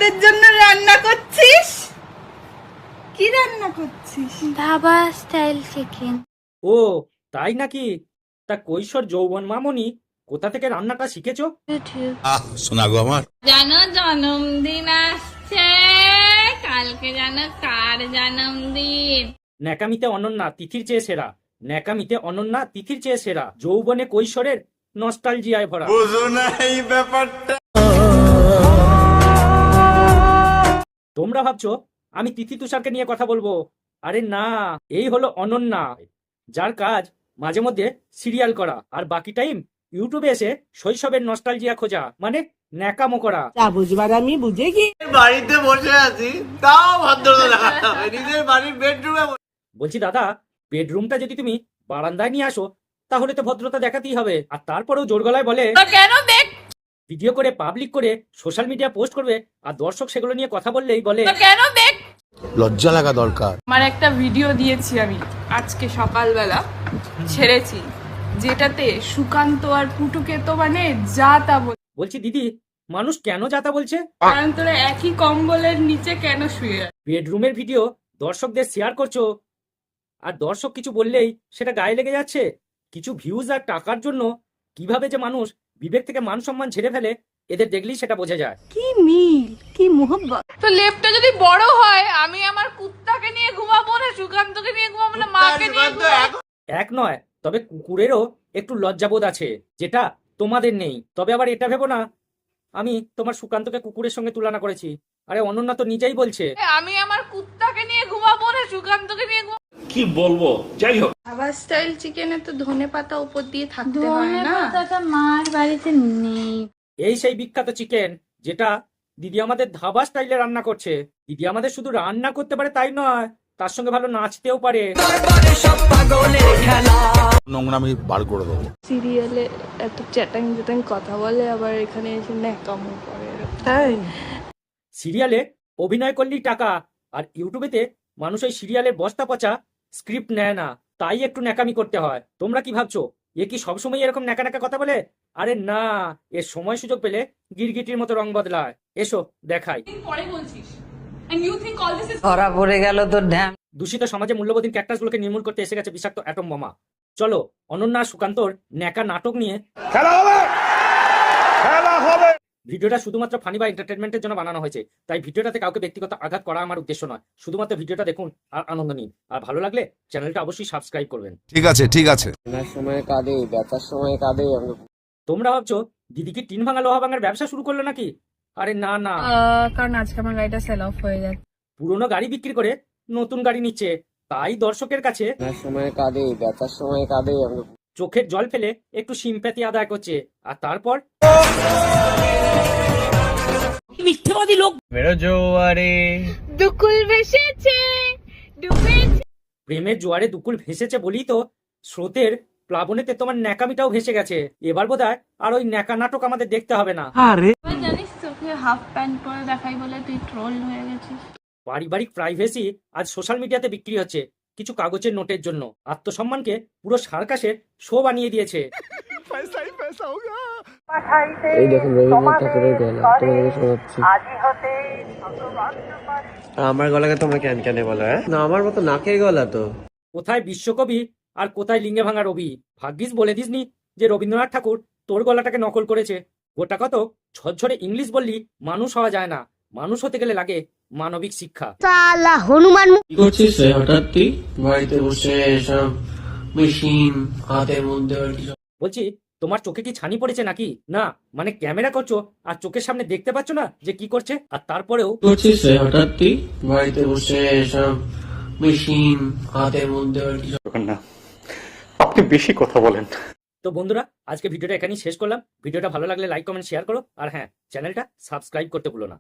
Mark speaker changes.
Speaker 1: আমাদের জন্য রান্না করছিস? কি রান্না করছিস?
Speaker 2: Dhaba style chicken.
Speaker 3: ও তাই নাকি? তা কৈশোর যৌবন মামনি কোথা থেকে রান্নাটা শিখেছো?
Speaker 2: ইউটিউব।
Speaker 4: শোনা গো আমার
Speaker 5: জানো জন্মদিন আসছে, কালকে জানো কার জন্মদিন?
Speaker 3: ন্যাকামিতে অনন্যা তিথির চেয়ে সেরা, ন্যাকামিতে অনন্যা তিথির চেয়ে সেরা, যৌবনে কৈশোরের নস্টালজিয়ায় ভরা।
Speaker 4: বুঝো না এই ব্যাপারটা।
Speaker 3: তোমরা ভাবছো আমি তিথি তুষারকে নিয়ে কথা বলবো? আরে না, এই হলো অনন্যা, যার কাজ মাঝে মধ্যে সিরিয়াল করা আর বাকি টাইম ইউটিউবে এসে শৈশবের নস্টালজিয়া খোঁজা, মানে ন্যাকামো করা।
Speaker 1: যা বুঝবার আমি বুঝে কি।
Speaker 6: বাড়িতে বসে আছি তাও ভদ্রতা দেখাতে হবে, নিজের বাড়ির বেডরুমে।
Speaker 3: বলছি দাদা, বেডরুমটা যদি তুমি বারান্দায় নিয়ে আসো তাহলে তো ভদ্রতা দেখাতেই হবে। আর তারপরেও জোর গলায় বলে
Speaker 5: কেন দেখ,
Speaker 3: ভিডিও করে পাবলিক করে সোশ্যাল মিডিয়া পোস্ট করবে, আর দর্শক সেগুলো নিয়ে কথা বললেই বলে
Speaker 5: কেন দেখ।
Speaker 4: লজ্জা লাগা দরকার।
Speaker 7: আমার একটা ভিডিও দিয়েছি আমি আজকে সকালবেলা ছেড়েছি, যেটাতে সুকান্ত আর পুটুকে তো মানে যা তা
Speaker 3: বলছি দিদি, মানুষ কেন যাতা বলছে?
Speaker 7: কারণ তোরা একই কম্বলের নিচে কেন শুয়ে আছিস?
Speaker 3: বেডরুমের ভিডিও দর্শকদের শেয়ার করছো, আর দর্শক কিছু বললেই সেটা গায়ে লেগে যাচ্ছে। কিছু ভিউজ আর টাকার জন্য কিভাবে যে মানুষ বিবেক থেকে মান সম্মান ঝেড়ে ফেলে, এদের দেখলেই সেটা বোঝা যায়।
Speaker 2: কি মিল, কি মোহব্বত।
Speaker 7: তো লেপটা যদি বড় হয়, আমি আমার কুত্তাকে নিয়ে ঘুমাবো না সুকান্তকে নিয়ে ঘুমাবো না মাকে নিয়ে ঘুমাবো?
Speaker 3: এক নয়, তবে কুকুরেরও একটু লজ্জাবোধ আছে, যেটা তোমাদের নেই। তবে আবার এটা ভেবো না আমি তোমার সুকান্তকে কুকুরের সঙ্গে তুলনা করেছি। আরে অনন্যা তো নিজেই বলছে
Speaker 7: আমি আমার কুত্তাকে নিয়ে ঘুমাবো না সুকান্তকে নিয়ে ঘুমাবো?
Speaker 8: কি বলবো, যাই হোক।
Speaker 7: ধাবা স্টাইল চিকেনে তো ধনেপাতা উপর দিয়ে থাকতে হয়
Speaker 2: ধনে
Speaker 7: না?
Speaker 2: পাতাটা মার বাড়িতে নেই।
Speaker 3: এই সেই বিখ্যাত চিকেন যেটা দিদি আমাদের ধাবা স্টাইলে রান্না করছে। দিদি আমাদের শুধু রান্না করতে পারে তাই নয়, তার সঙ্গে ভালো নাচতেও পারে।
Speaker 4: নোংরামি বার করে দেবো।
Speaker 7: সিরিয়ালে এত চ্যাটাং চ্যাটাং কথা বলে, আবার এখানে এসে ন্যাকামো করে।
Speaker 1: তাই
Speaker 3: সিরিয়ালে অভিনয় করলেই টাকা, আর ইউটিউবেতে মানুষ ওই সিরিয়ালের বস্তা পচা স্ক্রিপ্ট নেয় না, তাই একটু ন্যাকামি করতে হয়। তোমরা কি ভাবছো এ কি সবসময় এরকম ন্যাকা ন্যাকা কথা বলে? আরে না, এর সময় সুযোগ পেলে গিরগিটির মতো রং বদলায়। এসো দেখাই।
Speaker 7: পরে বলছিস and you think all this is
Speaker 1: ধরা পড়ে গেল তোর ঢ্যাম।
Speaker 3: দূষিত সমাজে মূল্যবোধীন ক্যাকটাসগুলোকে নির্মূল করতে এসে গেছে বিষাক্ত অ্যাটম বোমা। চলো অনন্যা সুকান্তর ন্যাকা নাটক নিয়ে
Speaker 8: খেলা হবে, খেলা হবে।
Speaker 3: ভিডিওটা শুধুমাত্র ফানি বা এন্টারটেনমেন্টের জন্য বানানো হয়েছে, তাই ভিডিওটাতে কাউকে ব্যক্তিগত আঘাত করা আমার উদ্দেশ্য নয়। শুধুমাত্র ভিডিওটা দেখুন আর আনন্দ নিন, আর ভালো লাগলে চ্যানেলটা অবশ্যই সাবস্ক্রাইব করবেন।
Speaker 4: ঠিক আছে ঠিক আছে।
Speaker 6: সময় কাঁদে, ব্যথার সময় কাঁদে।
Speaker 3: তোমরা ভাবছো দিদি কি টিন ভাঙা লোহা ভাঙার ব্যবসা শুরু করলো নাকি? আরে না না,
Speaker 7: কারণ আজকে আমার গাড়িটা সেল অফ হয়ে যাচ্ছে।
Speaker 3: পুরোনো গাড়ি বিক্রি করে নতুন গাড়ি নিচ্ছে, তাই দর্শকের কাছে
Speaker 6: সময় কাঁদে, ব্যথার সময় কাঁদে।
Speaker 3: চোখের জল ফেলে একটু সিম্প্যাথি আদায় করছে, আর তারপর মিথ্যেবাদী লোক
Speaker 6: মেরো জোয়ারে
Speaker 5: দুকুল ভেসেছে, ডুবেছে।
Speaker 3: প্রেমের জোয়ারে দুকুল ভেসেছে বলেই তো স্রোতের প্লাবনেতে তোমার ন্যাকামিটাও ভেসে গেছে। এবার বোধহয় আর ওই ন্যাকা নাটক আমাদের দেখতে হবে না।
Speaker 7: জানিস তোকে হাফ প্যান্ট পরে দেখাই বলে তুই ট্রোল হয়ে গেছিস।
Speaker 3: পারিবারিক প্রাইভেসি আজ সোশ্যাল মিডিয়াতে বিক্রি হচ্ছে কিছু কাগজের নোটের জন্য। আত্মসম্মানকে পুরো সার্কাসের শো বানিয়ে দিয়েছে।
Speaker 6: এই দেখুন রবীন্দ্রনাথ ঠাকুরের গলা তোমাদেরকে শোনাচ্ছি। আমার গলাকে তোমরা ক্যান ক্যানে বলো? না আমার মতো নাকের গলা তো।
Speaker 3: কোথায় বিশ্বকবি আর কোথায় লিঙ্গে ভাঙা রবি? ভাগ্যিস বলে দিসনি যে রবীন্দ্রনাথ ঠাকুর তোর গলাটাকে নকল করেছে। গোটা কত ঝরঝরে ইংলিশ বললি মানুষ হওয়া যায় না, মানুষ হতে গেলে লাগে মানবিক শিক্ষা।
Speaker 6: কি করছিস রে হঠাৎ তুই বাড়িতে বসে সব মেশিন হাতের মধ্যে?
Speaker 3: বলছি তোমার চোখে কি ছানি পড়েছে নাকি? না মানে ক্যামেরা করছো আর চোখের সামনে দেখতে পাচ্ছ না যে কি করছে, আর তারপরেও
Speaker 6: করছিস রে হঠাৎ তুই বাড়িতে বসে সব মেশিন হাতের মধ্যে?
Speaker 8: না, আপনি বেশি কথা বলেন।
Speaker 3: তো বন্ধুরা, আজকে ভিডিওটা এখানেই শেষ করলাম। ভিডিওটা ভালো লাগলে লাইক কমেন্ট শেয়ার করো, আর হ্যাঁ, চ্যানেলটা সাবস্ক্রাইব করতে ভুলো না।